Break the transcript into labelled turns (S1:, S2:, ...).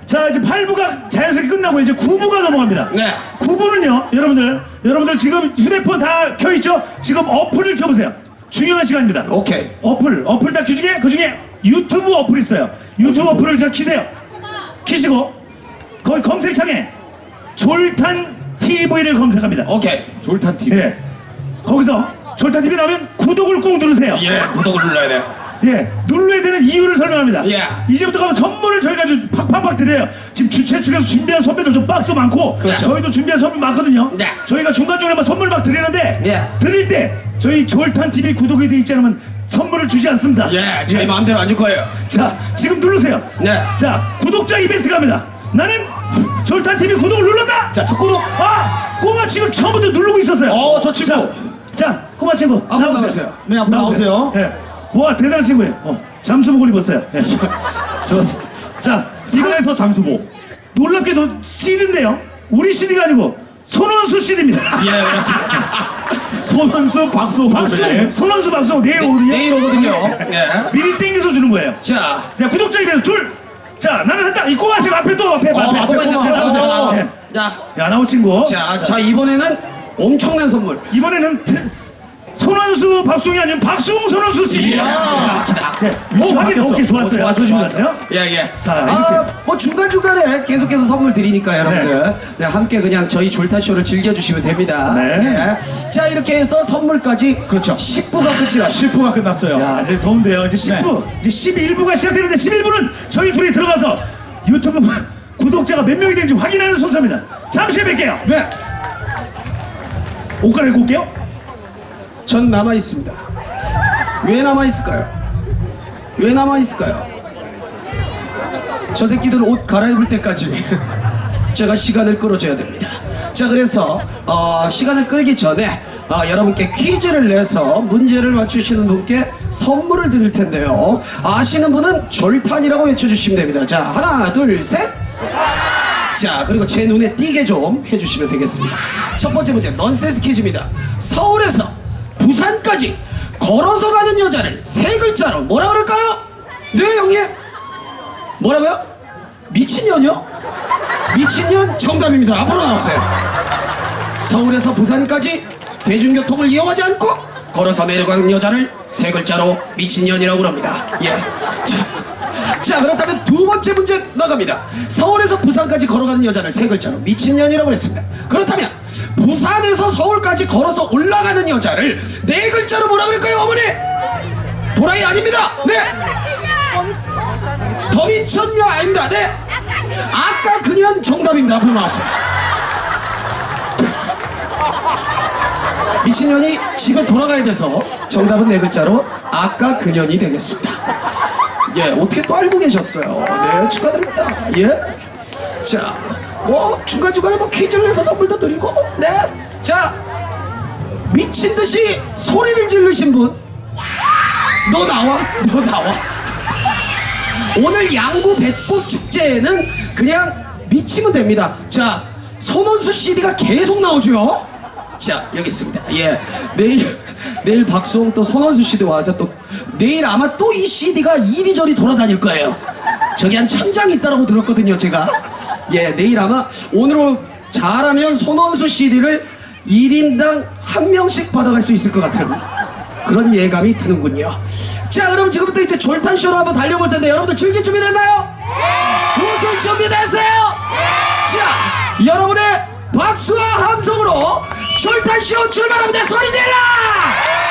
S1: 자, 이제 8부가 자연스럽게 끝나고 이제 9부가 넘어갑니다.
S2: 네.
S1: 9부는요, 여러분들 지금 휴대폰 다 켜있죠? 지금 어플을 켜보세요. 중요한 시간입니다.
S2: 오케이.
S1: 어플 다 켜중에 그 중에 유튜브 어플이 있어요. 유튜브 어플을 다 키세요. 키시고 거기 검색창에 졸탄 TV를 검색합니다.
S2: 오케이.
S3: 졸탄 TV.
S1: 예. 거기서 졸탄 TV 나오면 구독을 꾹 누르세요.
S2: 예, 구독을 눌러야 돼.
S1: 예, 눌러야 되는 이유를 설명합니다.
S2: 예.
S1: 이제부터 가면 선물을 저희가 아주 팍팍팍 드려요. 지금 주최 측에서 준비한 선배들 좀 박스 많고,
S2: 그렇죠.
S1: 저희도 준비한 선물 많거든요.
S2: 네.
S1: 저희가 중간중간에 막 선물 막 드리는데,
S2: 예.
S1: 드릴 때 저희 졸탄 TV 구독이 돼 있지 않으면 선물을 주지 않습니다.
S2: 예, 저희 마음대로 안 줄 거예요.
S1: 자, 지금 누르세요.
S2: 네.
S1: 자, 구독자 이벤트 갑니다. 나는 졸탄 TV 구독을 눌렀다.
S3: 자, 첫 구독.
S1: 아, 꼬마 지금 처음부터 누르고 있었어요.
S3: 저 친구.
S1: 자, 꼬마 친구
S2: 앞으로 나오세요.
S3: 네, 앞으로 나오세요.
S1: 예. 와, 대단한 친구예요. 잠수복을 입었어요. 예. 좋았어. 자,
S3: 산에서 잠수복.
S1: 놀랍게도 CD인데요. 우리 CD가 아니고 손원수 CD입니다.
S2: 예, 그렇습니다.
S3: 손원수, 박수홍.
S1: 손원수 박수 내일 오거든요.
S2: 내일 오거든요. 예.
S1: 미리 땡겨서 주는 거예요.
S2: 자,
S1: 자, 구독자 이벤트 둘. 자, 나는 했다. 이 꼬마 지금 앞에 또 앞에.
S2: 앞에
S1: 나오세요. 예.
S2: 자,
S1: 야, 나오 친구.
S2: 자, 이번에는 엄청난 선물.
S1: 이번에는 손원수 박수홍이 아니면 박수홍 손원수 씨.
S2: 이야.
S1: 예.
S3: 위치
S1: 확인.
S3: 바뀌었어.
S1: 오케이, 좋았어요.
S2: 좋았어.
S1: 좋았어요.
S2: 예, 예.
S1: 자, 이렇게.
S2: 뭐 중간중간에 계속해서 선물 드리니까 여러분들 네, 함께 그냥 저희 졸탄쇼를 즐겨주시면 됩니다.
S1: 네.
S2: 자, 이렇게 해서 선물까지
S3: 그렇죠.
S2: 10부가 끝이 났습니다.
S3: 10부가 끝났어요.
S1: 야, 이제 더운데요. 이제 10부, 이제 11부가 시작되는데 11부는 저희 둘이 들어가서 유튜브 구독자가 몇 명이 되는지 확인하는 순서입니다. 잠시 후에 뵐게요.
S3: 네.
S1: 옷 갈아입고 올게요.
S2: 전 남아있습니다. 왜 남아있을까요? 왜 남아있을까요? 저 새끼들 옷 갈아입을 때까지 제가 시간을 끌어줘야 됩니다. 자, 그래서 시간을 끌기 전에 여러분께 퀴즈를 내서 문제를 맞추시는 분께 선물을 드릴 텐데요. 아시는 분은 졸탄이라고 외쳐주시면 됩니다. 자, 하나, 둘, 셋. 자, 그리고 제 눈에 띄게 좀 해주시면 되겠습니다. 첫 번째 문제, 넌센스 퀴즈입니다. 서울에서 부산까지 걸어서 가는 여자를 세 글자로 뭐라 그럴까요? 네, 형님. 뭐라고요? 미친년이요? 미친년 정답입니다. 앞으로 나왔어요. 서울에서 부산까지 대중교통을 이용하지 않고 걸어서 내려가는 여자를 세 글자로 미친년이라고 합니다. 예. 자, 그렇다면 두 번째 문제 나갑니다. 서울에서 부산까지 걸어가는 여자를 세 글자로 미친년이라고 했습니다. 그렇다면 부산에서 서울까지 걸어서 올라가는 여자를 네 글자로 뭐라 그럴까요, 어머니? 도라이 아닙니다. 네. 더 미쳤냐? 아닙니다. 네. 아까 그년 정답입니다. 앞으로 나왔어요. 미친년이 집에 돌아가야 돼서 정답은 네 글자로 아까 그년이 되겠습니다. 예, 어떻게 또 알고 계셨어요? 네, 축하드립니다. 예. 자, 뭐 중간중간에 뭐 퀴즈를 내서 선물도 드리고, 네. 자, 미친 듯이 소리를 지르신 분, 너 나와, 너 나와. 오늘 양구 배꽃 축제에는 그냥 미치면 됩니다. 자, 손원수 CD가 계속 나오죠. 자, 여기 있습니다. 예, 내일 박수홍 또 손원수 씨도 와서 또 내일 아마 또 이 CD가 이리저리 돌아다닐 거예요. 저기 한 1000장이 있다고 들었거든요, 제가. 예, 내일 아마 오늘 잘하면 손원수 CD를 1인당 1명씩 받아갈 수 있을 것 같은 그런 예감이 드는군요. 자, 그럼 지금부터 이제 졸탄쇼로 한번 달려볼 텐데 여러분들 즐길 준비 됐나요? 웃을 준비 됐어요? 자, 여러분의 박수와 함성으로 졸탄쇼 출발합니다. 소리 질러!